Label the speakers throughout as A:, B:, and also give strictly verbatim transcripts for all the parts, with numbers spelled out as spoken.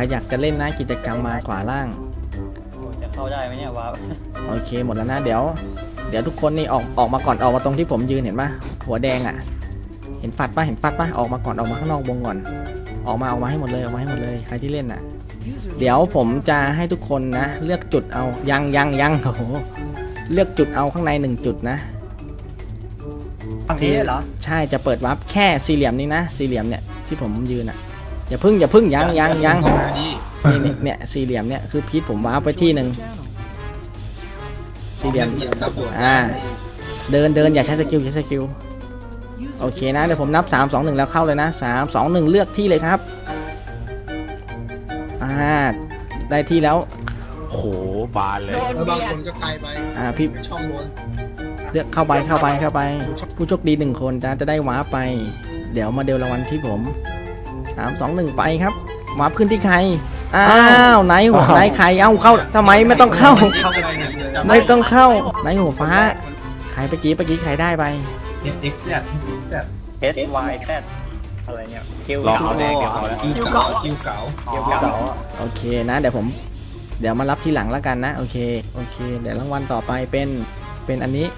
A: รอยากจะเล่นนะกิจกรรมมาขวาล่าง
B: จะเข้าได้ไหมเนี่ยวาร์ป
A: โอเคหมดแล้วนะเดี๋ยวเดี๋ยวทุกคนนี่ออกออกมาก่อนออกมาตรงที่ผมยืนเห็นปะหัวแดงอ่ะเห็นฟัดปะเห็นฟัดปะออกมาก่อนออกมาข้างนอกวงก่อนออกมาออกมาให้หมดเลยออกมาให้หมดเลยใครที่เล่นอ่ะเดี๋ยวผมจะให้ทุกคนนะเลือกจุดเอายังยังยังโอ้โหเลือกจุดเอาข้างในหนึ่งจุดนะ
B: ฝั่งนี้เหรอ
A: ใช่จะเปิดวาร์ปแค่สี่เหลี่ยมนี้นะสี่เหลี่ยมเนี่ยที่ผมยืนอ่ะอย่าพึ่งอย่าพึ่งยังยังยังนี่เนี่ยสี่เหลี่ยมเนี่ยคือพีทผมวาร์ปไปที่หนึ่งสี่เหลี่ยมอ่าเดินเดินอย่าใช้สกิลอย่าใช้สกิลโอเคนะเดี๋ยวผมนับสาม สอง หนึ่งแล้วเข้าเลยนะสาม สอง หนึ่งเลือกที่เลยครับอ่าได้ที่แล้ว
C: โหบานเลย
D: บางคนก็ไกลไป
A: อ่าพี่
D: ช่องบน
A: เลือกเข้าไปเข้าไปเข้าไปผู้โชคดีหนึ่งคนจะจะได้วาร์ปไปเดี๋ยวมาเดลรางวัลที่ผมสาม สอง หนึ่งไปครับวาร์ปขึ้นที่ใครอ้าวไหนหัวไหนใครเอ้าเข้าทำไมไม่ต้องเข้าไม่ต้องเข้าไหนหัวฟ้าใครเมื่อกี้เมื่อกี้ใครได้ไป
D: เอ็กซ์แซดแซด
B: เอสวายแซดอะไรเนี่ยคิว
C: รอเขาแดงเดี๋ยวเขาแล้ว
D: คิวเก่าคิวเก่า
B: คิวเก่า
A: โอเคนะเดี๋ยวผมเดี๋ยวมารับทีหลังแล้วกันนะโอเคโอเคเดี๋ยวรางวัลต่อไปเป็นเป็นอันนี้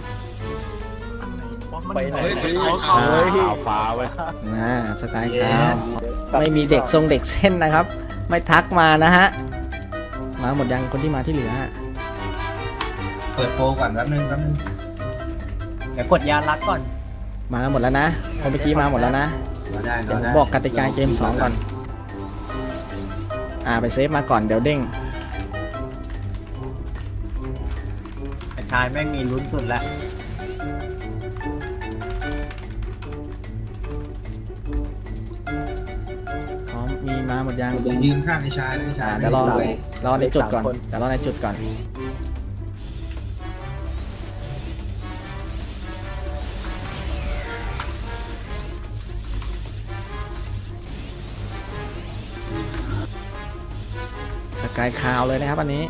B: ไปไหน
C: ขาวฟ้าไว้
A: นะสไตล์ขาวไม่มีเด็กทรงเด็กเส้นนะครับไม่ทักมานะฮะมาหมดยังคนที่มาที่เหลือ
D: เปิดโปรก่อนแป๊บนึงแป๊บนึง
B: เดี๋ยวกดยาลักก่อน
A: มาหมดแล้วนะคนเมื่อกี้มาหมดแล้วนะเดี๋ยวผมบอกกติกาเกมสองก่อนอ่าไปเซฟมาก่อนเดี๋ยวเด้ง
B: ไอ้ชายแม่งมีลุ้นสุดแล้ว
A: พร้อมมีมาหมดยัง
D: ยืนข้างไอ้ชายไอ้ชาย
A: เดี๋ยวรอรอในจุดก่อนเดี๋ยวรอในจุดก่อนสกายคาวเลยนะครับอันนี้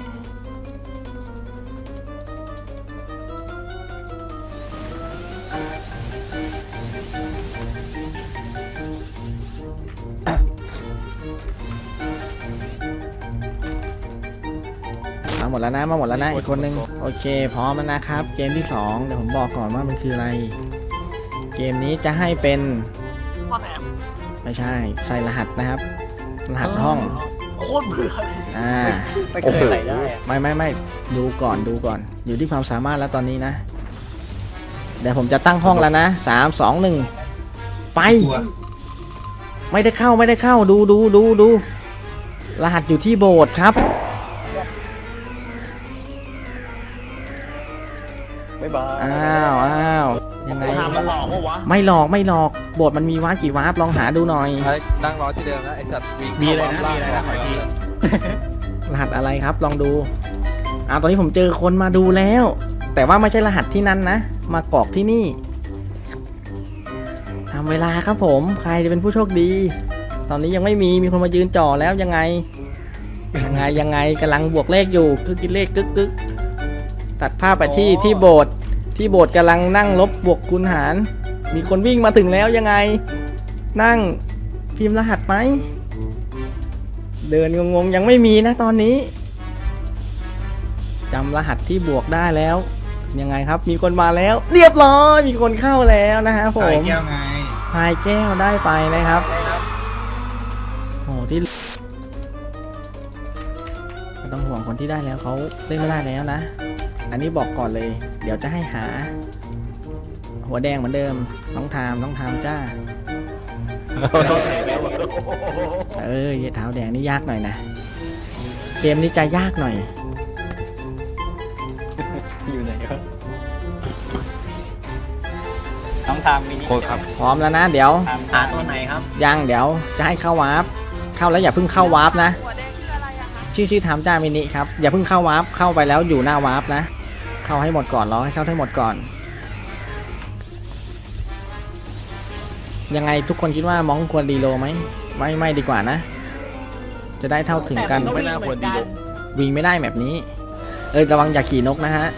A: มาหมดแล้วนะมาหมดแล้วนะอีกคนนึงโอเคพร้อมแล้วนะครับเกมที่สองเดี๋ยวผมบอกก่อนว่ามันคืออะไรเกมนี้จะให้เป็นไม่ใช่ใส่รหัสนะครับรหัสห้อง
B: โคตรเบื่อ
A: อ่า
B: ไม่เคยใส่ได้
A: ไม่ไม่ไม่ดูก่อนดูก่อนอยู่ที่ความสามารถแล้วตอนนี้นะเดี๋ยวผมจะตั้งห้องแล้วนะสาม สอง หนึ่งไปไม่ได้เข้าไม่ได้เข้าดูดูดูดูรหัสอยู่ที่โบสถ์ครับ
B: บ๊ายบาย
A: อ้าวอ้าวยังไง
B: มันหลอกปะวะ
A: ไม่หลอกไม่หลอกโบสถ์มันมีวาร์ปกี่วาร์ปลองหาดูหน่อย
C: นั่งรอที่เดิมนะไอ้สัตว์
B: มีอะไรนะมีอะไรนะขอที
A: รหัสอะไรครับลองดูอ้าวตอนนี้ผมเจอคนมาดูแล้วแต่ว่าไม่ใช่รหัสที่นั่นนะมากรอกที่นี่ทำเวลาครับผมใครจะเป็นผู้โชคดีตอนนี้ยังไม่มีมีคนมายืนจ่อแล้วยังไงยังไงยังไงกำลังบวกเลขอยู่คือกินเลขกึกกึกตัดภาพไปที่ที่โบสถ์ที่โบสถ์กำลังนั่งลบบวกคูณหารมีคนวิ่งมาถึงแล้วยังไงนั่งพิมพ์รหัสไหมเดินงงๆยังไม่มีนะตอนนี้จำรหัสที่บวกได้แล้วยังไงครับมีคนมาแล้วเรียบร้อยมีคนเข้าแล้วนะฮะผม
D: พายแก้วไง
A: พายแก้วได้ไปนะครับโอ้ที่ไม่ต้องห่วงคนที่ได้แล้วเขาเล่นไม่ได้แล้วนะอันนี้บอกก่อนเลยเดี๋ยวจะให้หาหัวแดงเหมือนเดิมน้องทามน้องทามจ้าเออเท้าแดงนี่ยากหน่อยนะเกมนี้จะยากหน่อย
B: อยู่ไหนครับน้องทามมินิ
C: ครับ
A: พร้อมแล้วนะเดี๋ยว
B: หาตัวไหนครับ
A: ยังเดี๋ยวจะให้เข้าวาร์ปเข้าแล้วอย่าเพิ่งเข้าวาร์ปนะชื่อชื่อทามจ้ามินิครับอย่าเพิ่งเข้าวาร์ปเข้าไปแล้วอยู่หน้าวาร์ปนะเข้าให้หมดก่อนรอให้เข้าให้หมดก่อนยังไงทุกคนคิดว่ามองควรดีโลไหมไม่ไม่ดีกว่านะจะได้เท่าถึงกัน
C: ไม่น่าควรดีโล
A: วิ่งไม่ได้แบบนี้เออระวังอย่าขี่นกนะฮะ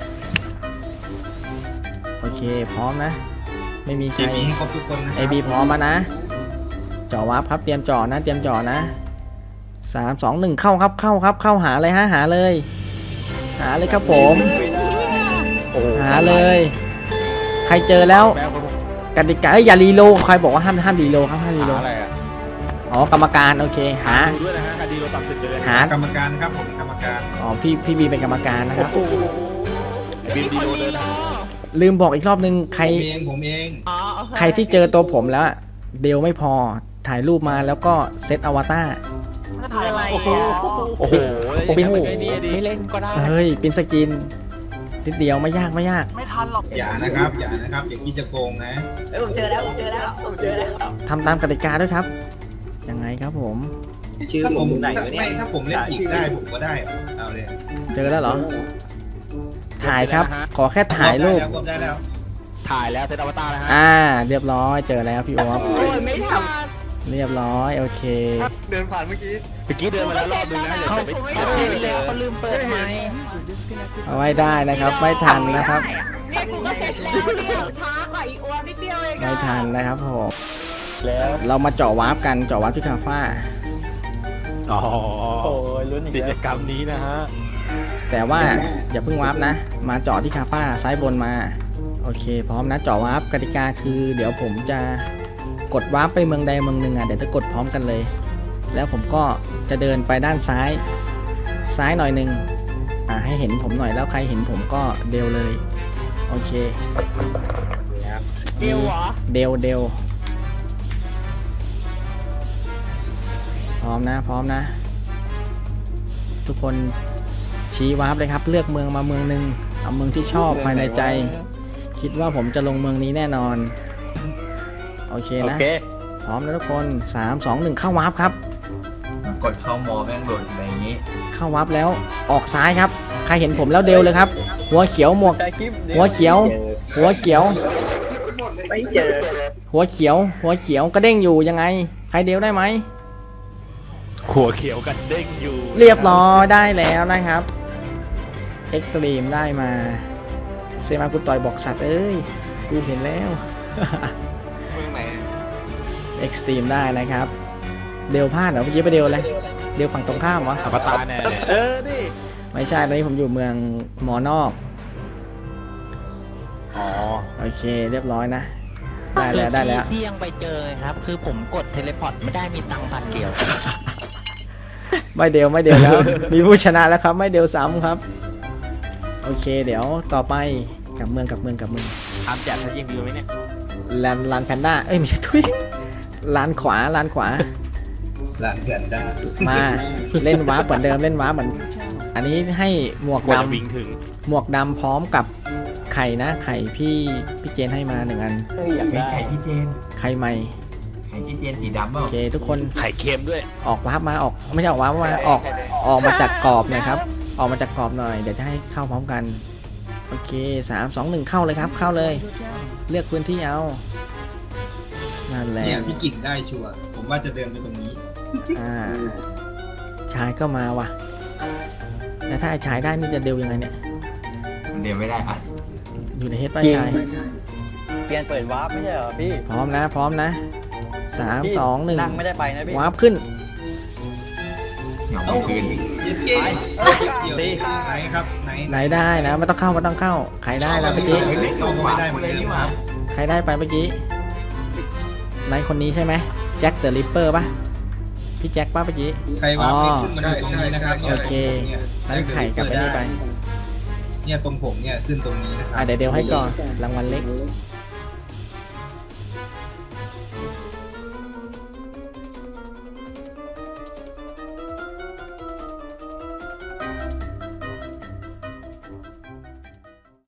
A: โอเคพร้อมนะไม่มีใครเอบีพร้อมมานะจ่อวาร์ปครับเตรียมจ่อนะเตรียมจ่อนะสามสองหนึ่งเข้าครับเข้าครับเข้าหาเลยฮะหาเลย หาเลยครับผม หาเลย ใครเจอแล้ว
C: แมวผม
A: กติกาเอ้ยอย่ารีโลใครบอกว่าห้ามห้ามรีโลครับห้ามรีโล
C: หาอะไรอ่ะ
A: อ๋อกรรมการโอเคหา
C: ดูด้วยนะฮะคดีเราตามติดเลย
A: หาก
D: รรมการครับผมกรรมการ
A: อ๋อพี่พี่บีเป็นกรรมการนะครับ
C: บินดีโดเดิน
A: ลืมบอกอีกรอบนึงใคร
D: ผมเองผมเอง
A: ใครที่เจอตัวผมแล้วอะเดลไม่พอถ่ายรูปมาแล้วก็เซตอวตาร
E: ถ่ายอะไร
C: โอ้โห
E: อ่ะ
C: โอ้โห
A: ปิน
C: ไอ้นี่ดี
E: ไม่เล่นก็ได้
A: เฮ้ยเป็นสกินนิดเดียวไม่ยากไม่ยาก
E: ไม่ทันหรอก
D: อย่านะครับอย่านะครับอย่าคิดจะโกงนะ
E: เอ้ยผมเจอแล้วผมเจอแล้วผมเจอแล้ว
A: ทำตามกติกาด้วยครับ ยังไงครับผม
B: ชื่อ
D: ถ้า
B: ผ
D: ผม ม
B: ไหน
D: ถ้าว
B: ะเนี่
D: ไม่
B: ย
D: ถ้าผมเล่นอีกได้ผมก็ได้เอาเลย
A: เจอแล้วเหรอ ถ่ายครับ ขอแค่ถ่ายรูป
D: ได้แล้วรวบได้แล้ว
C: ถ่ายแล้วเซตอวตารแล้วฮะ
A: อ่า เรียบร้อยเจอแล้วพี่โอ๊ต
E: โอ้ยไม่ทัน
A: เรียบร้อยโอเค
C: เดินผ่านเมื่อกี้เมื่อกี้เดินมาแล้วรอบนึงนะเดี๋ยว
E: เขา
C: จะไป
E: ไม่
C: เอา
E: ทั
C: ที่
E: น
C: เล
E: เลย
C: ย
E: เขาลืมเปิดไมค์
A: เอาไว้ได้นะครับ ไม่ทันนะครับ
E: เนี่ยกูก็เสร็จแล้วเนี่ยช้ากว่าอีกอ้วนนิดเดียวเอง
A: ไม่ทันนะครับผม
C: แล้ว
A: เรามาเจาะวาร์ปกันเจาะวาร์ปที่คาฟ้า
C: อ๋อ
B: โอ้ยลุ้นอีก
C: กิจ
B: แล้ว
C: กรรมนี้นะฮะ
A: แต่ว่าอย่าเพิ่งวาร์ปนะ มาเจาะที่คาฟ้าซ้ายบนมาโอเค พร้อมนะเจาะวาร์ปกติกาคือ เดี๋ยวผมจะกดวาร์ปไปเมืองใดเมืองหนึ่งอ่ะเดี๋ยวจะกดพร้อมกันเลย แล้วผมก็จะเดินไปด้านซ้าย ซ้ายหน่อยหนึ่งอ่าให้เห็นผมหน่อยแล้วใครเห็นผมก็เดวเลยโอเค
E: เดียวเหรอ
A: เดวเดวพร้อมนะพร้อมนะ ทุกคนชี้วาร์ปเลยครับ เลือกเมืองมาเมืองหนึ่งเอาเมืองที่ชอบภายในใจ คิดว่าผมจะลงเมืองนี้แน่นอนโอเค
B: โอ
A: นะ
B: เค
A: พร้อมแล้วทุกคนสาม สอง หนึ่งเข้าวาร์ปครับ
D: กดเข้ามอแม่งหล่นไปอย่างนี้
A: เข้าวาร์ปแล้วออกซ้ายครับ ใครเห็นผมแล้วเดวเลยครับ หัวเขียวหมวก
B: ใช้คลิป
A: หัวเขียว หัวเขียว
B: ไม่เจอ
A: หัวเขียว หัวเขียวกระเด้งอยู่ยังไง ใครเดวได้ไหม
C: หัวเขียวกันเด้งอยู่
A: เรียบร้อยได้แล้วนะครับเอ็กตรีมได้มาเซมากูต่อยบอกสัตว์เอ้ยกูเห็นแล้ว
C: เมืองไหน
A: เอ็กตรีมได้นะครับ เดวพลาดเหรอเมื่อกี้ไปเดวอะไรเดวฝั่งตรงข้ามวะ
C: อวตารแน่เลย
B: เออดิ
A: ไม่ใช่ตอนนี้ผมอยู่เมืองหมอนอก
C: อ๋อ
A: โอเคเรียบร้อยนะ ได้แล้วได้แล้ว
E: ที่ยังไปเจอครับ คือผมกดเทเลพอร์ตไม่ได้มีตังค์พันเดียว
A: ไม่เดวไม่เดวแล้ว มีผู้ชนะแล้วครับ ไม่เดวซ้ำครับ โอเค เดี๋ยวต่อไปกลับเมืองกลับเมืองกลับเมือง
C: ทำแจกทัยิงวิวไหมเนี่ย
A: ลานลานแพนด้าเอ้ยไม่ใช่ทุยลานขวาลานขวา
D: หลานเพื่อนได้
A: มาเล่นวาร์ปเหมือนเดิมเล่นวาร์ปเหมือน อันนี้ให้หมวก
C: กว่า
A: ด
C: จะวิ่งถึง
A: ำหมวกดำพร้อมกับไข่นะไข่พี่พี่เจนให้มาหนึ่งอัน
B: เฮ้ยอยากได้
D: ไข่ที่เจน
A: ไข่ใหม่
D: ไข่ที่เจนสีดำเปล่า
A: โอเคทุกคน
C: ไข่เค็มด้วย
A: ออกวาร์ปมาออกไม่ใช่ออกวาร์ปมาออกออกมาจากกรอบหน่อยครับ ออกมาจากกรอบหน่อยเดี๋ยวจะให้เข้าพร้อมกันโอเคสามสองหนึ่งเข้าเลยครับ เข้าเลย เลือกพื้นที่เอานั่นแหละ
D: เนี่ยพี่กิ่งได้ชัวร์ผมว่าจะเดินไปตรงนี้
A: อ่าชายก็มาว่ะแล้วถ้าไอ้ชายได้นี่จะเดวยังไงเนี่ย
D: เดินไม่ได้อ่ะ
A: อยู่ในเฮดป้าชาย
B: เปลี่ยนเปิดวาร์ปไม่ใช่เหรอพี่
A: พร้อมนะ พร้อมนะสาม
B: พี่
A: สองหนึ่ง
B: นั่งไม่ได้ไปนะพี่
A: วาร์ปขึ้น
D: เหงาคืนเย็นเก่งเดี๋ยวไหนครับไหน
A: ไหนได้นะไม่ต้องเข้าไม่ต้องเข้าใครได้แล้วเมื่อกี้
D: เข้าไม่ได้เหมือนเดิมครับ
A: ใครได้ไปเมื่อกี้นายคนนี้ใช่ไหมแจ็คเดอะริปเปอร์ปะพี่แจ็คปะเมื่อกี้
D: ใครวางไม่ขึ้นมาดูตรงนี้นะครับ
A: โอเคนั้นไข่กลับไปนี่ไป
D: เนี่ยตรงผมเนี่ยขึ้นตรงนี้นะครั
A: อ่ะเดี๋ยวเดี๋ยวให้ก่อนรางวัลเล็ก